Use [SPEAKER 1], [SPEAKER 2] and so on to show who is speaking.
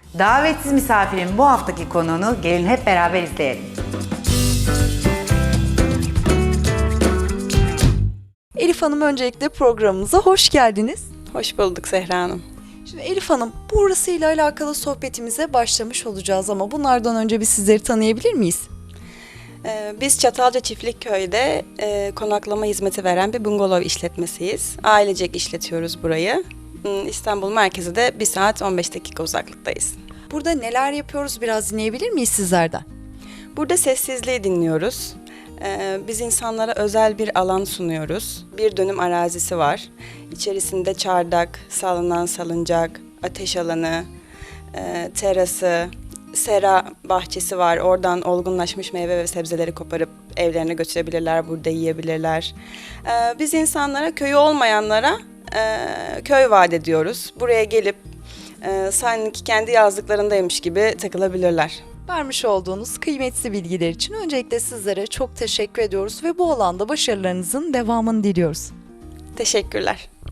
[SPEAKER 1] Davetsiz misafirin bu haftaki konuğunu gelin hep beraber izleyelim.
[SPEAKER 2] Elif Hanım, öncelikle programımıza hoş geldiniz.
[SPEAKER 3] Hoş bulduk Zehra Hanım.
[SPEAKER 2] Şimdi Elif Hanım, burasıyla alakalı sohbetimize başlamış olacağız ama bunlardan önce biz sizleri tanıyabilir miyiz?
[SPEAKER 3] Biz Çatalca Çiftlikköy'de konaklama hizmeti veren bir bungalov işletmesiyiz. Ailecek işletiyoruz burayı. İstanbul merkezi de 1 saat 15 dakika uzaklıktayız.
[SPEAKER 2] Burada neler yapıyoruz, biraz dinleyebilir miyiz sizlerden?
[SPEAKER 3] Burada sessizliği dinliyoruz. Biz insanlara özel bir alan sunuyoruz. 1 dönüm arazisi var. İçerisinde çardak, salınan salıncak, ateş alanı, terası, sera bahçesi var. Oradan olgunlaşmış meyve ve sebzeleri koparıp evlerine götürebilirler, burada yiyebilirler. Biz insanlara, köyü olmayanlara köy vaat ediyoruz. Buraya gelip sanki kendi yazlıklarındaymış gibi takılabilirler.
[SPEAKER 2] Vermiş olduğunuz kıymetli bilgiler için öncelikle sizlere çok teşekkür ediyoruz ve bu alanda başarılarınızın devamını diliyoruz.
[SPEAKER 3] Teşekkürler.